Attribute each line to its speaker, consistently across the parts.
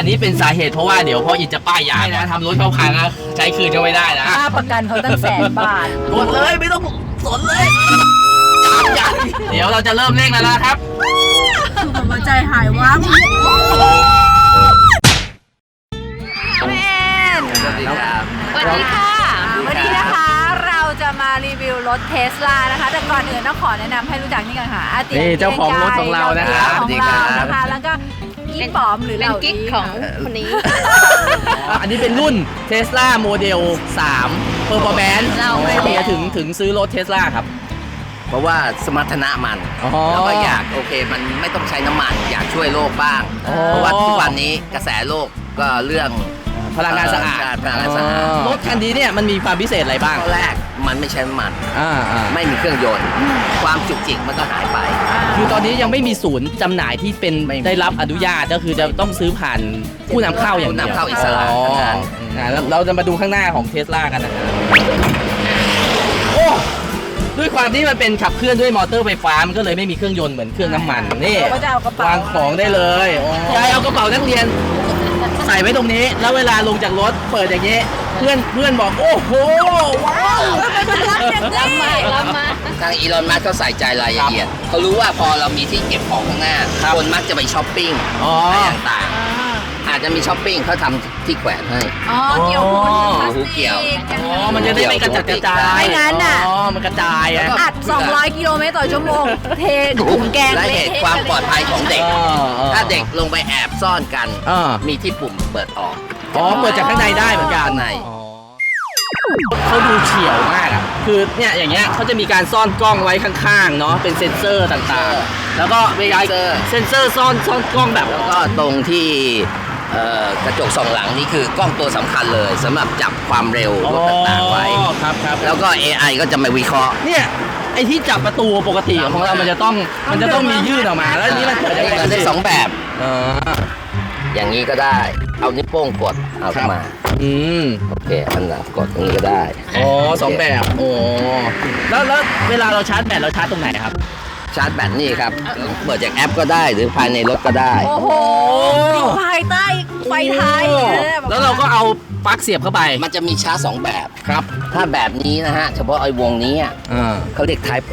Speaker 1: นนี้เป็นสาเหตุเพราะว่าเดี๋ยวพ่ออินจะป้ายยานะทำรถเข้าพังนะใช้คืนก็ไม่ได้นะ
Speaker 2: ค่าประกันเขาตั้ง100,000 บาท
Speaker 1: กดเลยไม่ต้องสนเลยจับเดี๋ยวเราจะเริ่มเร่งแล้วนะครับ
Speaker 2: หัวใจหายวับแม่น
Speaker 1: สวัสดีครับ
Speaker 2: สวัสดีค่ะวันนี้นะคะเราจะมารีวิวรถเทสลานะคะแต่ก่อนอื่นต้องขอแนะนำให้รู้จักนี่กันค่ะอาเตีย
Speaker 1: นี่เจ้าของรถของเรานะครับ
Speaker 2: ของเรานะคะแล้วก็กิ๊กปอมหรือ
Speaker 3: เป็น
Speaker 2: เรา
Speaker 3: กิ๊กของคนนี้
Speaker 1: อันนี้เป็นรุ่น Tesla Model 3 Performance
Speaker 2: เราไม่
Speaker 1: เมียถึงซื้อรถ Tesla ครับ
Speaker 4: เพราะว่าสมรรถนะมัน
Speaker 1: อ๋อ
Speaker 4: แล้วก็อยากโอเคมันไม่ต้องใช้น้ำมันอยากช่วยโลกบ้าง
Speaker 1: อ๋อ
Speaker 4: เพราะว่าทุกวันนี้กระแสโลกก็เรื่อง
Speaker 1: พลังงานสะอาด
Speaker 4: พลังงานสะอาด
Speaker 1: รถคันนี้เนี่ยมันมีความพิเศษอะไรบ้าง
Speaker 4: ข้อแรกมันไม่ใช้น้ำมัน
Speaker 1: อ่า
Speaker 4: ไม่มีเครื่องยนต์ ความจุกจิกมันก็หายไป
Speaker 1: คือตอนนี้ยังไม่มีศูนย์จำหน่ายที่เป็น
Speaker 4: ไม่มี
Speaker 1: ได้รับอนุญาตก็คือจะต้องซื้อผ่านผู้นำเข้าอย่างเดียว
Speaker 4: ผู้นำเข้าอิสระ
Speaker 1: อ๋อ
Speaker 4: ทั้งนั้น
Speaker 1: แล้วเราจะมาดูข้างหน้าของ Tesla กันนะครับโอ้ด้วยความที่มันเป็นขับเคลื่อนด้วยมอเตอร์ไฟฟ้ามันก็เลยไม่มีเครื่องยนต์เหมือนเครื่องน้ำมันนี่
Speaker 2: เราก็จะเอากระเป๋าว
Speaker 1: างของได้เลยยายเอากระเป๋านักเรียนใส่ไว้ตรงนี้ แล้วเวลาลงจากรถเปิดอย่างนี้ เพื่อนบอกโอ้โหว้าว
Speaker 2: รับมารับมา
Speaker 4: ทางอีลอนมัสก์เขาใส่ใจรายละเอียดเขารู้ว่าพอเรามีที่เก็บของข้างหน้า คนมักจะไปช้อปปิ้ง
Speaker 1: อ๋อ
Speaker 4: อะไรต่างๆอาจจะมีช้อปปิ้งเขาทำที่แขวนให้
Speaker 2: อ๋อเกี่ยวหู
Speaker 4: หูเกี่ยว
Speaker 1: อ๋อมันจะได้ไม่กระจัดกระจาย
Speaker 2: ไม่งั้นน่ะ
Speaker 1: อ๋อมันกระจายอะ
Speaker 2: อัด 200 กิโลเมตรต่อชั่วโมง เทถุงแกง
Speaker 4: และเหตุความปลอดภัยของเด็ก ถ้าเด็กลงไปแอบซ่อนกัน
Speaker 1: อ่า
Speaker 4: มีที่ปุ่มเปิดออก
Speaker 1: อ๋อเปิดจากข้างในได้เหมือนกัน
Speaker 4: ข้างใน
Speaker 1: อ๋อเขาดูเฉียวมากอ่ะคือเนี่ยอย่างเงี้ยเขาจะมีการซ่อนกล้องไว้ข้างๆเนาะเป็นเซ็นเซอร์ต่างๆ แล้วก็เวลาเซ็นเซอร์ซ่อนกล้องแบบ
Speaker 4: แล้วก็ตรงที่กระจกสองหลังนี่คือกล้องตัวสำคัญเลยสำหรับจับความเร็วรถต่างๆไว้
Speaker 1: อ๋อครับ
Speaker 4: แล้วก็ AI ก็จะมาวิเคราะห์
Speaker 1: เนี่ยไอ้ที่จับประตูปกติของเรามันจะต้องมียื่นออกมา แล้วอันนี้มันเกิดได้
Speaker 4: ก็ได้สองแบบ
Speaker 1: อ๋อ
Speaker 4: อย่างนี้ก็ได้ เอานิ้วโป้งกดเอาเข้ามา
Speaker 1: อืม
Speaker 4: โอเคอันหลังกดตรงนี้ก็ได้
Speaker 1: อ๋อสองแบบโอ้แล้วเวลาเราชาร์จแบตเราชาร์จตรงไหนครับ
Speaker 4: ชาร์จแบตนี่ครับเปิดจากแอปก็ได้หรือภายในรถก็ได้
Speaker 2: โอ้โหอยู่ภายใต้ไฟท้าย
Speaker 1: แล้วเราก็เอาปลั๊กเสียบเข้าไป
Speaker 4: มันจะมีชาร์จสองแบบ
Speaker 1: ครับ
Speaker 4: ถ้าแบบนี้นะฮะเฉพาะไอ้วงนี้อะ
Speaker 1: อ่า
Speaker 4: เขาเรียก Type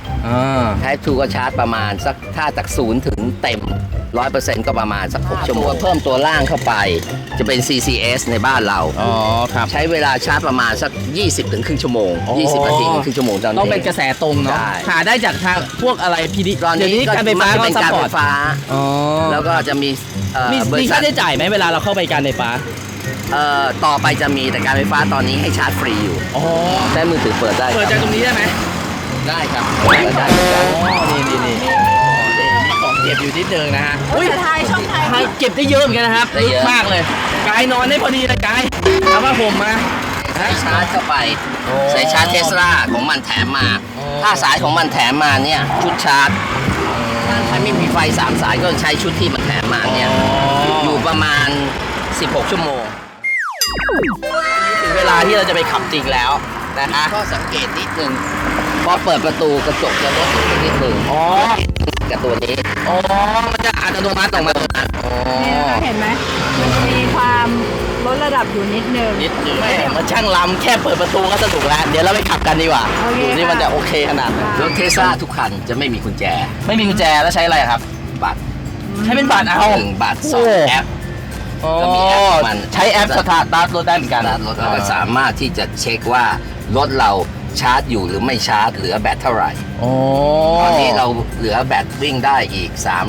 Speaker 4: 2 Type 2 ก็ชาร์จประมาณสักถ้าจาก0ถึงเต็ม 100% ก็ประมาณสัก6ชั่วโมงเพิ่มตัวล่างเข้าไป จะเป็น CCS ในบ้านเรา
Speaker 1: อ๋อครับ
Speaker 4: ใช้เวลาชาร์จประมาณสัก 20 ถึงครึ่งชั่วโมง 20 นาทีถึงครึ่งชั่วโมงเท่านั้น
Speaker 1: ต้องเป็นกระแสตรงเนาะ
Speaker 4: ใช่
Speaker 1: หาได้จากทางพวกอะไรพีดี
Speaker 4: ตอน
Speaker 1: เดี๋ยว
Speaker 4: นี้
Speaker 1: นี้
Speaker 4: ก็
Speaker 1: การไฟฟ้า
Speaker 4: มันจะ
Speaker 1: ก็
Speaker 4: เป็น
Speaker 1: ซัพ
Speaker 4: การ
Speaker 1: พอ
Speaker 4: ไฟ
Speaker 1: ร์ต
Speaker 4: ฟ้า
Speaker 1: อ๋อ
Speaker 4: แล้วก็จะมีบ
Speaker 1: มี
Speaker 4: ริษั
Speaker 1: ค่า
Speaker 4: ท
Speaker 1: ใช้จ่ายไหมเวลาเราเข้าไปการไฟฟ้า
Speaker 4: ต่อไปจะมีแต่การไฟฟ้าตอนนี้ให้ชาร์จฟรีอยู่
Speaker 1: อ๋อ
Speaker 4: ใช้มือถือเปิดได้
Speaker 1: เปิดจากตรงนี้ได้ไหม
Speaker 4: ได้ครับเปิดได้เหมือนกัน
Speaker 1: นี่ของเก็บอยู่นิดนึงนะฮะ
Speaker 2: อุ้ยท้ายช่องท้าย
Speaker 1: ท้ายเก็บได้เยอะเหมือนกันนะครับ
Speaker 4: ได้เยอะ
Speaker 1: มากเลยกายนอนได้พอดีเลยกายเอาผ้าห่มมา
Speaker 4: ใช้ชาร์จเข้าไป
Speaker 1: โอ้
Speaker 4: ใส่ชาร์จเทสลาของมันแถมมา
Speaker 1: โอ้
Speaker 4: ถ้าสายของมันแถมมาเนี่ยชุดชาร์จถ้าไม่มีไฟ3สายก็ใช้ชุดที่มันแถมมาเนี่ยอยู่ประมาณ 16 ชั่วโมง
Speaker 1: ถึงเวลาที่เราจะไปขับจริงแล้วนะคะ
Speaker 4: ก็สังเกตนิดนึงพอเปิดประตูกระจกจะลดลงนิดนึง
Speaker 1: อ๋อ
Speaker 4: กับตัวนี้
Speaker 1: อ๋อมันจะอัตโนมัติออกมาอ๋อ
Speaker 2: เนี่ยนะคะเห็นไหมมันจะมีความลดระดับอยู่นิดนึง
Speaker 1: นิดนึงแม่มันช่างล้ำแค่เปิดประตูก็สนุกแล้ว เดี๋ยวเราไปขับกันดีกว่า
Speaker 2: โอเค
Speaker 1: ดูนี่
Speaker 2: ค่ะ
Speaker 1: มันจะโอเคขนาดไหน
Speaker 4: รถเทสลาทุกคันจะไม่มีกุญแจ
Speaker 1: ไม่มีกุญแจแล้วใช้อะไรครับ
Speaker 4: บัตร
Speaker 1: ใช้เป็นบัตรเอา
Speaker 4: 1 บาท
Speaker 1: โอ้
Speaker 4: 2 แอป ก็มีแอปของมัน
Speaker 1: ใช้แอปสตาร์ทรถได้เหมือนกัน
Speaker 4: รถเราก็สามารถที่จะเช็คว่ารถเราชาร์จอยู่หรือไม่ชาร์จเหลือแบตเท่าไหร่
Speaker 1: โอ้
Speaker 4: ตอนนี้เราเหลือแบตวิ่งได้อีก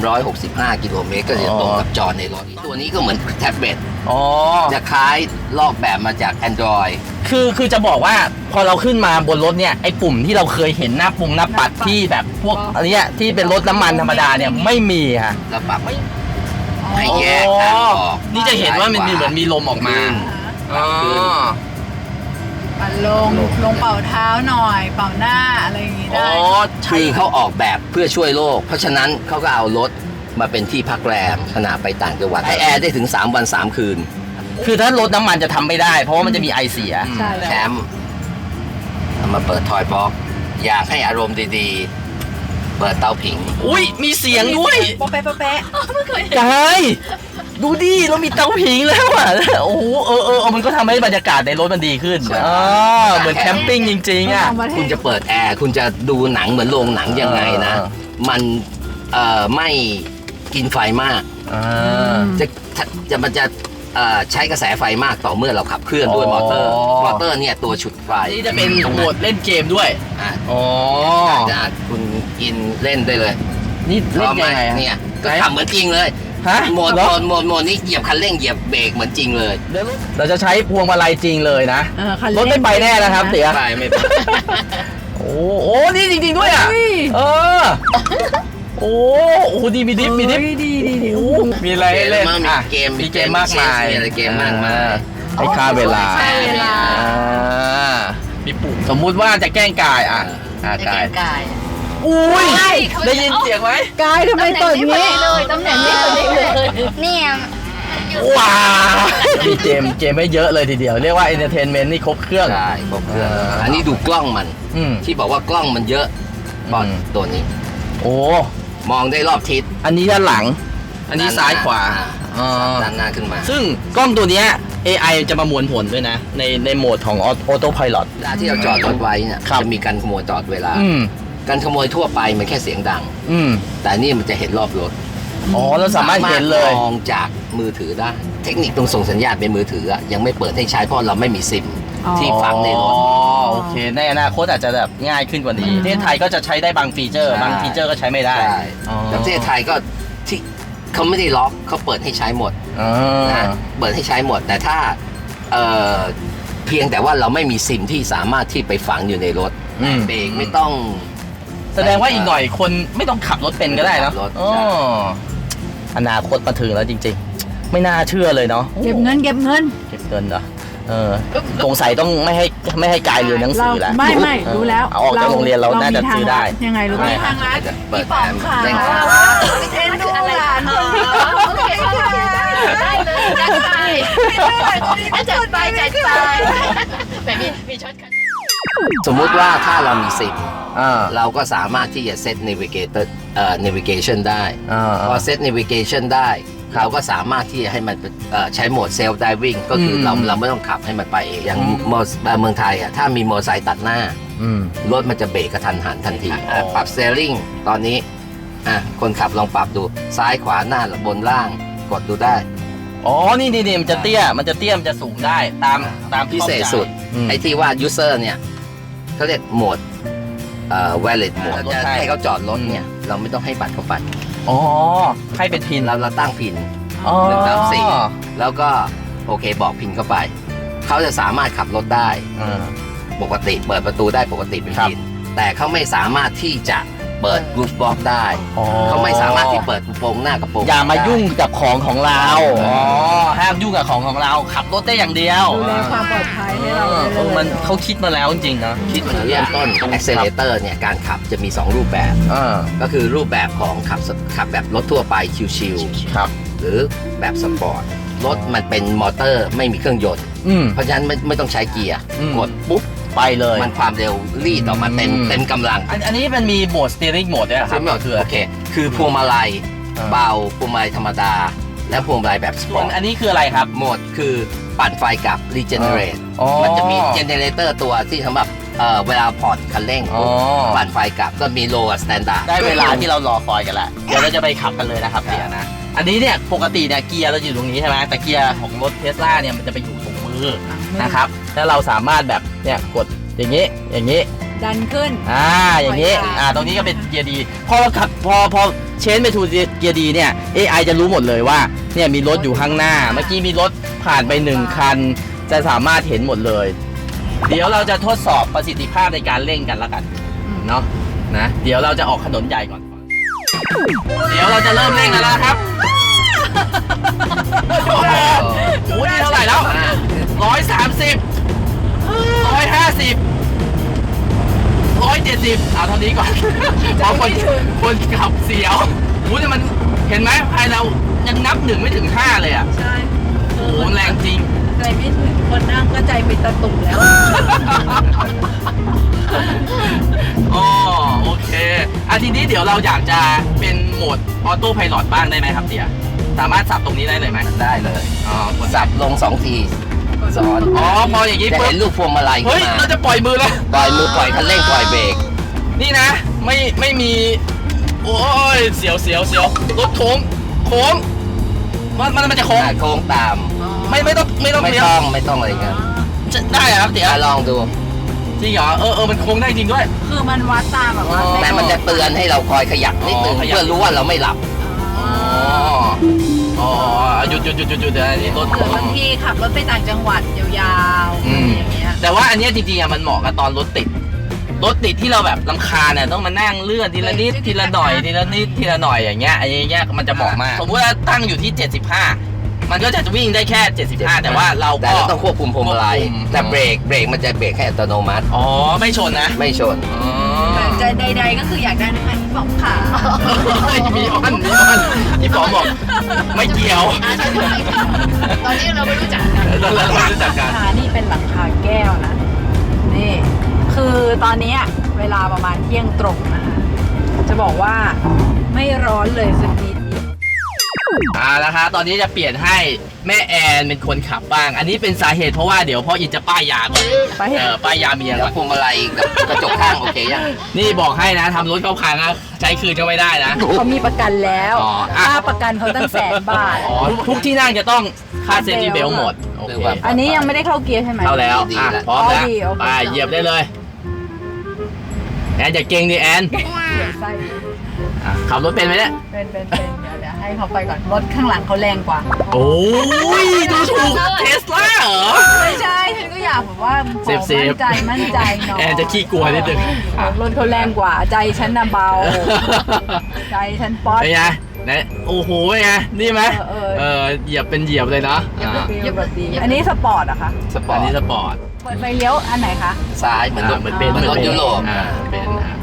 Speaker 4: 365 กิโลเมตรก็จะตรงกับจอในรถ ตัวนี้ก็เหมือนแท็บเล็ต
Speaker 1: อ๋อ
Speaker 4: จะคล้ายลอกแบบมาจาก Android
Speaker 1: คือจะบอกว่าพอเราขึ้นมาบนรถเนี่ยไอ้ปุ่มที่เราเคยเห็นหน้าปุ่มหน้าปัดที่แบบพวกอันเนี้ยที่เป็นรถน้ำมันธรรมดาเนี่ยไม่มีค่ะ
Speaker 4: แล้วปรับให้แยกทางออก
Speaker 1: นี่จะเห็นว่ามันมีเหมือนมีลมออกมา
Speaker 4: ขึ้น
Speaker 1: อ๋อ
Speaker 2: ปัดลงเป่าเท้าหน่อย เป่าหน้าอะไรอย่างงี้
Speaker 1: อ๋
Speaker 2: ได้
Speaker 1: อ
Speaker 4: คือเขาออกแบบเพื่อช่วยโลก เพราะฉะนั้นเขาก็เอารถมาเป็นที่พักแรมขณะไปต่างจังหวัดให้แอร์ได้ถึง 3 วัน 3 คืน
Speaker 1: คือถ้ารถน้ำมันจะทำไม่ได้ เพราะว่ามันจะมีไอเสีย
Speaker 2: ใช่
Speaker 4: แคมป์เอามาเปิดทอยบ็อกซ์อยากให้อารมณ์ดีเปิดเตาผิง
Speaker 1: อุ้ยมีเสียงด้วย
Speaker 2: โป๊ะแป๊ะโป๊ะแป๊ะ
Speaker 1: กายดูดิเรามีเตาผิงแล้วอ่ะโอ้โหมันก็ทำให้บรรยากาศในรถมันดีขึ้นเหมือนแคมปิ้งจริงๆอ่ะ
Speaker 4: คุณจะเปิดแอร์คุณจะดูหนังเหมือนโรงหนังยังไงนะ มันไม่กินไฟมากมันจะใช้กระแสไฟมากต่อเมื่อเราขับเคลื่อนด้วยมอเตอร์เนี่ยตัวฉุดไฟ
Speaker 1: นี่จะเป็นโหมดเล่นเกมด้วยอ๋อ
Speaker 4: คุณกินเล่นได้เลย
Speaker 1: นี่เล่นยังไง
Speaker 4: เนี่ยก็ขับเหมือนจริงเลย
Speaker 1: ฮะ
Speaker 4: โหมดนี้เหยียบคันเร่งเหยียบเบรกเหมือนจริงเลย
Speaker 1: เราจะใช้พวงมาลัยจริงเลยนะรถไม่ไปแน่นะครับเตี๋ย
Speaker 4: ไม่ไป
Speaker 1: โอ้นี่จริงๆด้วยอ่ะโอ้ดีมีดิฟมีมีอะไรเล่น
Speaker 4: มีเกม
Speaker 1: มากมาย
Speaker 4: มีอะไรเกมมากมาย
Speaker 1: ให้ค่าเวลามีปุ่มสมมุติว่าจะแกล้งกายกายอุ้ยได้ยินเสียงไหม
Speaker 2: กายทำไมตัวนี้เลยตำแหน่งนี้ตัวนี้เลยเนี่ย
Speaker 1: ว้าวมีเกมไม่เยอะเลยทีเดียวเรียกว่าเอนเตอร์เทนเมนต์นี่ครบเครื่อง
Speaker 4: ใช่ครบเครื่องอันนี้ดูกล้องมันที่บอกว่ากล้องมันเยอะบอลตัวนี้
Speaker 1: โอ้
Speaker 4: มองได้รอบทิศ
Speaker 1: อันนี้ด้านหลังอันนี้ซ้ายขวา
Speaker 4: ด้านหน้าขึ้นมา
Speaker 1: ซึ่งกล้องตัวนี้ AI จะประมวลผลด้วยนะในโหมดของออโต้ไพลอต
Speaker 4: เวลาที่เราจอดรถไว้เนี่ยจะมีการขโมยตลอดเวลาการขโมยทั่วไปมันแค่เสียงดังแต่นี่มันจะเห็นรอบรถ
Speaker 1: เราสามารถเห็นเลย
Speaker 4: มองจากมือถือได้เทคนิคตรงส่งสัญญาณเป็นมือถือยังไม่เปิดให้ใช้เพราะเราไม่มีซิมที่ฝังในรถ
Speaker 1: โอเคในอนาคตอาจจะแบบง่ายขึ้นกว่านี้ประเทศไทยก็จะใช้ได้บางฟีเจอร์บางฟีเจอร์ก็ใช้ไม่ได้
Speaker 4: แต่ประเทศไทยก็ที่เขาไม่ได้ล็อกเขาเปิดให้ใช้หมดนะเปิดให้ใช้หมดแต่ถ้าเพียงแต่ว่าเราไม่มีซิมที่สามารถที่ไปฝังอยู่ในรถเบรกไม่ต้อง
Speaker 1: แสดงว่าอีกหน่อยคนไม่ต้องขับรถเป็นก็ได้เนาะอนาคตมาถึงแล้วจริงๆไม่น่าเชื่อเลยเนาะ
Speaker 2: เก็บเงิน
Speaker 1: เหรอสงสัยต้องไม่ให้กายเรียนหนังสือแล้ว
Speaker 2: ไม่รู้แล้ว
Speaker 1: ออกจากโรงเรียนเราน่าจะซื้อได้
Speaker 2: ยังไงรู้ไหมทางร้านพี่ป๋องค่ะเอ็นดูหลานโอเคได้เลยจัดไป
Speaker 3: แบบมีช็อตคัน
Speaker 4: สมมุติว่าถ้าเรามีซิมเราก็สามารถที่จะเซต navigation ได้พอเซต navigation ได้เราก็สามารถที่จะให้มันใช้โหมด self driving ก็คือเราไม่ต้องขับให้มันไปเองอย่างเมืองไทยถ้ามีมอเตอร์ไซค์ตัดหน้ารถมันจะเบรกกระทันหันทันทีปรับ steering ตอนนี้คนขับลองปรับดูซ้ายขวาหน้าบนล่างกดดูได้
Speaker 1: นี่มันจะเตี้ยมันจะสูงได้ตาม
Speaker 4: พิเศษสุดไอ้ที่ว่า user เนี่ยเขาเรียกโหมดwallet โหมดจะให้เขาจอดรถเนี่ยเราไม่ต้องให้บัตรเขาไป
Speaker 1: ให้เป็นพิน
Speaker 4: เราตั้งพิน1 3 4แล้วก็โอเคบอกพินเข้าไปเขาจะสามารถขับรถได้ปกติเปิดประตูได้ปกติเป็นพินแต่เขาไม่สามารถที่จะเปิดรูฟบ็อกได้เขาไม่สามารถที่เปิดกระโปรงหน้ากระโปรง
Speaker 1: อย่ามายุ่งกับของเราห้ามยุ่งกับของเราขับรถได้อย่างเดียว
Speaker 2: ดูแลความปลอดภัยให้เรา
Speaker 1: มันเขาคิดมาแล้วจริงๆนะ
Speaker 4: คิดมาเริ่มต้น accelerator เนี่ยการขับจะมี2รูปแบบก็คือรูปแบบของขับแบบรถทั่วไปชิวๆหรือแบบสปอร์ตรถมันเป็นมอเตอร์ไม่มีเครื่องยนต์เพราะฉะนั้นไม่ต้องใช้เกียร์กดปุ๊บ
Speaker 1: ไปเลย
Speaker 4: มันความเร็วรีดออกมาเต็มกำลัง
Speaker 1: อันนี้มันมีโหมด steering mode ด้วยครับ
Speaker 4: โอเคคือพวงมาลัยเบาพวงมาลัยธรรมดาและพวงมาลัยแบบสปอร์ต
Speaker 1: อันนี้คืออะไรครับ
Speaker 4: โหมดคือปั่นไฟกับ regenerate มันจะมี generator ตัวที่สำหรับเวลาผ่อนคันเร่งปั่นไฟกับก็มี low standard
Speaker 1: ได้เวลาที่เรารอคอยกันแล้วเดี๋ยวเราจะไปขับกันเลยนะครับเดี๋ยวนะอันนี้เนี่ยปกติเนี่ยเกียร์เราอยู่ตรงนี้ใช่ไหมแต่เกียร์ของรถ Tesla เนี่ยมันจะไปอยู่ตรงมือนะครับแล้วเราสามารถแบบเนี่ยกดอย่างนี้
Speaker 2: ดันขึ้น
Speaker 1: อย่างนี้ตรงนี้ก็เป็นเกียร์ดีพอเราขับพอเชนไปทูเกียร์ดีเนี่ย AI จะรู้หมดเลยว่าเนี่ยมีรถอยู่ข้างหน้าเมื่อกี้มีรถผ่านไป1คันจะสามารถเห็นหมดเลยเดี๋ยวเราจะทดสอบประสิทธิภาพในการเร่งกันแล้วกันเนาะนะเดี๋ยวเราจะออกถนนใหญ่ก่อนเดี๋ยวเราจะเริ่มเร่งกันแล้วครับโอ้โหนี่เท่าไหร่แล้ว130 150 170เอาเท่านี้ก่อนเพราะคนขับเสียวแต่มันเห็นไหมภายเรายังนับ1ไม่ถึง5เลยใช่โอ้โหแรงจริง
Speaker 2: ใจไม่ถึงคนนั่งก็ใจเป็นตะตุ่มแล้ว
Speaker 1: โอเคทีนี้เดี๋ยวเราอยากจะเป็นโหมดออโต้ไพลอตบ้างได้ไหมครับเตียสามารถสับตรงนี้ได้เลยไหม
Speaker 4: ได้เลย
Speaker 1: อ๋อกด
Speaker 4: สับลง2 ทีซ้อน
Speaker 1: อ๋อพออย่างนี้
Speaker 4: จะ
Speaker 1: ปุ๊บ
Speaker 4: เห็นลูกพวงมาลัย
Speaker 1: เฮ้
Speaker 4: ขึ้
Speaker 1: ย
Speaker 4: นมา
Speaker 1: เราจะปล่อยมือแล้ว
Speaker 4: ปล่อยมือปล่อยคันเร่งปล่อยเบรก
Speaker 1: นี่นะไม่มีโอ้ยเสียวรถโค้งมันจะโค้ง
Speaker 4: โค้งตาม
Speaker 1: ไม่ต้อง
Speaker 4: ไม่
Speaker 1: เลี้ยว
Speaker 4: ต้องอะไรกัน
Speaker 1: จะได้เหรอครับเตีย
Speaker 4: ลองดู
Speaker 1: จริงเหรอมันโค้งได้จริงด้วย
Speaker 2: คือมันวัดตามแบบว่า
Speaker 1: อ๋อ
Speaker 4: แต่มันจะเตือนให้เราคอยขยับนิดนึง
Speaker 1: อ๋อขยับ
Speaker 4: เพื่อรู้ว่าเราไม่หลับ
Speaker 1: อ๋อหยุดเดี๋ยวอันนี้รถ
Speaker 2: คือบางทีขับรถไปต่างจังหวัดยาวๆอย่างเงี้ย
Speaker 1: แต่ว่าอันเนี้ยจริงๆอะมันเหมาะกับตอนรถติดที่เราแบบรำคาญเนี่ยต้องมานั่งเลื่อนทีละนิดทีละหน่อยทีละนิดทีละหน่อยอย่างเงี้ยไอ้เงี้ยมันจะเหมาะมากสมมติว่าตั้งอยู่ที่ 75 มันก็จะวิ่งได้แค่ 75 แต่ว่าเรา
Speaker 4: แต่
Speaker 1: ก็
Speaker 4: เราต้องควบคุมพวงมาลัย
Speaker 1: ควบคุม
Speaker 4: แต่เบรกมันจะเบรกให้อัตโนมัติ
Speaker 1: อ๋อไม่ชนนะ
Speaker 4: ไม่ชน
Speaker 1: อ๋อ
Speaker 2: จะใดๆก็คืออยากได้น้ำมันที่บอกขา
Speaker 1: มีอ้อนที่ป๋อบอกไม่เกี่ยว
Speaker 3: ตอนนี้เราไม่รู้จักกัน
Speaker 1: เราไม่รู้จักกัน
Speaker 2: นี่เป็นหลังคาแก้วนะ นี่ คือตอนนี้เวลาประมาณเที่ยงตรงนะคะจะบอกว่าไม่ร้อนเลยสักนิดเดียว
Speaker 1: นะคะตอนนี้จะเปลี่ยนให้แม่แอนเป็นคนขับบ้าง อันนี้เป็นสาเหตุเพราะว่าเดี๋ยวพ่ออินจะป้ายยาก่อนป้ายยาเมีย
Speaker 4: แล้
Speaker 1: ก่
Speaker 4: ว
Speaker 1: อน
Speaker 4: พวงมาลัยกับกระจกข้างโอเคยัง
Speaker 1: นี่บอกให้นะทำรถเขาพังนะใช้คืนก็ไม่ได้นะ
Speaker 2: เขามีประกันแล้ว
Speaker 1: อ๋ออ่ะ
Speaker 2: ค่าประกันเขาตั้ง100,000 บาท
Speaker 1: อ๋อทุกที่นั่งจะต้องค่าเซฟตี้เบลหมดโอเค
Speaker 2: อันนี้ยังไม่ได้เข้าเกียร์ใช่ไหม
Speaker 1: เข้าแล้วอ่ะพร้อมแล้ว
Speaker 2: ดีโอเค
Speaker 1: ไปเหยียบได้เลยแอนอย่าเก่งดิแอน
Speaker 2: เดี๋ยวไส้
Speaker 1: อ่ะขับรถเป็นไหมเนี่ย
Speaker 2: เป็นเดี๋ยวให้เขาไปก่อน รถข้างหลังเขาแรงกว่า
Speaker 1: โอ้ยดูถูกเทสลาเหรอ
Speaker 2: ไม่ใช่ ฉันก็อยากแบบว่าขอ
Speaker 1: เซฟ
Speaker 2: มั่นใจหน่อย
Speaker 1: แอนจะขี้กลัวนิดนึง
Speaker 2: รถเขาแรงกว่า ใจฉันน่ะเบา ใจฉันป๊อต
Speaker 1: เป็นไงไหนโอ้โหเป็นไงนี่ไหมเหยียบเป็นเหยียบเลยนะอ่า
Speaker 2: แบบดีอันนี้สปอร์ตเหรอะคะ
Speaker 4: สปอ
Speaker 1: อัน
Speaker 4: ร์
Speaker 1: นี้
Speaker 4: ต
Speaker 1: สปอร์ต
Speaker 2: เปิดไฟเลี้ยวอันไหนคะ
Speaker 4: ซ้ายเหมือนรถ
Speaker 1: เหมือนเป็น
Speaker 4: เหมือนรถยุโรป
Speaker 1: เป็นอ่ะ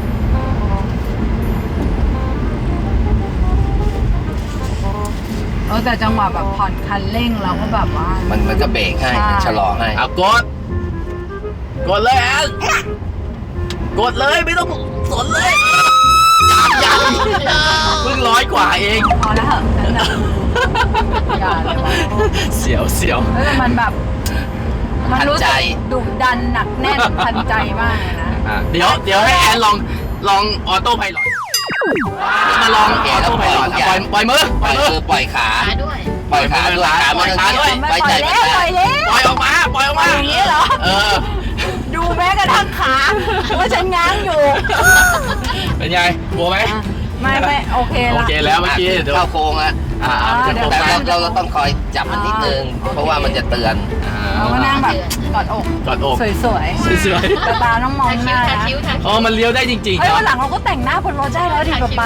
Speaker 2: แต่จังหวะแบบผ่อนคันเร่งเราก็แบบว่า
Speaker 4: มันก็เบรกให้
Speaker 2: ใช่
Speaker 4: ชะลอให้
Speaker 1: เอากดเลยแอนกดเลยไม่ต้องสนเลยยังเพิ่ง100 กว่าเอง
Speaker 2: พอแล้วเหอะนั่นน่ะอย่าเลยว่ะ
Speaker 1: เสียว
Speaker 2: แล้วมันแบบ มันรู้
Speaker 4: ทันใจ
Speaker 2: สึกดุดันหนักแน่นทันใจมากเลยนะ
Speaker 1: อ่ะเดี๋ยวให้แอนลองออโต้ไพลอตมาลองออโต้ไพลอตปล่อยมือ
Speaker 4: ปล่อยมือปล่อยขา
Speaker 3: ขาด้วย
Speaker 4: ปล่อยขาด้วยขา
Speaker 1: ปล่อยขาด้วย
Speaker 4: ไว้ใจ
Speaker 2: ปล่
Speaker 4: ไม่
Speaker 2: อย
Speaker 4: ได้
Speaker 2: แล้ว
Speaker 1: ปล่อยออกมา
Speaker 2: อย่างนี้เหรอ
Speaker 1: เออ
Speaker 2: ดูแม้กระทั่งขาว่าฉันง้างอยู่
Speaker 1: เป็นไงกลัวไหม
Speaker 2: ไม่โอเค
Speaker 1: โอ
Speaker 2: ละ
Speaker 1: เคแล้วเมื่อกี้เดี๋ยว
Speaker 4: เข้าโค้งอะ
Speaker 1: จะโฟ
Speaker 4: แต่
Speaker 1: กัส
Speaker 4: เราต้องคอยจับมันนิดนึง เพราะว่ามันจะเตือน
Speaker 2: เราก็นั่งแบบกอดอก
Speaker 1: กอดอก
Speaker 2: สวย
Speaker 1: สวย
Speaker 2: ๆแต่ตาต้องมอง
Speaker 3: ทา
Speaker 2: ห
Speaker 3: คิ้ว
Speaker 2: น้า
Speaker 3: ทา
Speaker 2: นะ
Speaker 3: คิ้วทา
Speaker 1: ๆอ๋อมันเลี้ยวได้จริงๆ
Speaker 2: เฮ้ย
Speaker 1: นะ
Speaker 2: วันหลังเราก็แต่งหน้าบนรถได้แล้วดิป๊า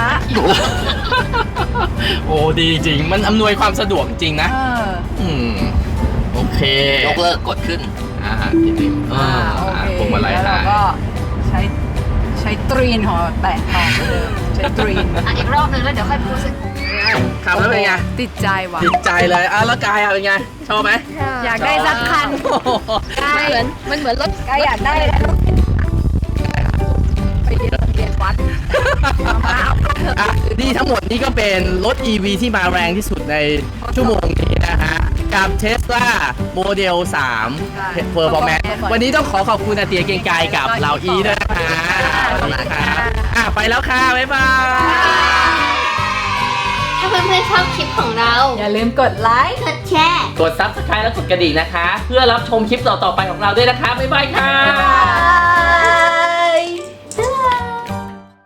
Speaker 1: โอ้ดีจริงมันอำนวยความสะดวกจริงนะ โอเค
Speaker 4: ยกเลิกกดขึ้น
Speaker 1: นิดนึง
Speaker 2: โอเค
Speaker 1: พวงมาลัย
Speaker 2: แล้วเรา
Speaker 1: หาย
Speaker 2: ก็ใช้ตรีนของเราแตะต่อไปเลยใช้ตรีน
Speaker 3: อีกรอบนึงแล้วเดี๋ยวค่อยพูดสัก
Speaker 1: ขับแล้วเป็นไง
Speaker 2: ติดใจว่ะ
Speaker 1: ติดใจเลยแล้วกายเป็นไงชอบไหม
Speaker 2: อยากได้สักคัน
Speaker 3: มันเหมือนรถ
Speaker 2: ก็อยากได้แล้วไปเรียนวัดมาเอาเถอะ
Speaker 1: อ่ะนี่ทั้งหมดนี้ก็เป็นรถ EV ที่มาแรงที่สุดในชั่วโมงนี้นะฮะ กับ Tesla Model 3 Performance วันนี้ต้องขอบคุณอาเตียเกรียงไกรกับเหล่าอีด้วยนะคะสวัสดีค่ะไปแล้วค่ะ บ๊ายบาย
Speaker 5: ถ้าเพื่อนๆชอบคลิปของเรา
Speaker 2: อย่าลืมกดไลค์
Speaker 5: กดแชร์
Speaker 1: กด Subscribe และกดกระดิ่งนะคะ เพื่อรับชมคลิปต่อๆไปของเราด้วยนะคะ บ๊ายบายค่ะ
Speaker 2: บ๊ายบาย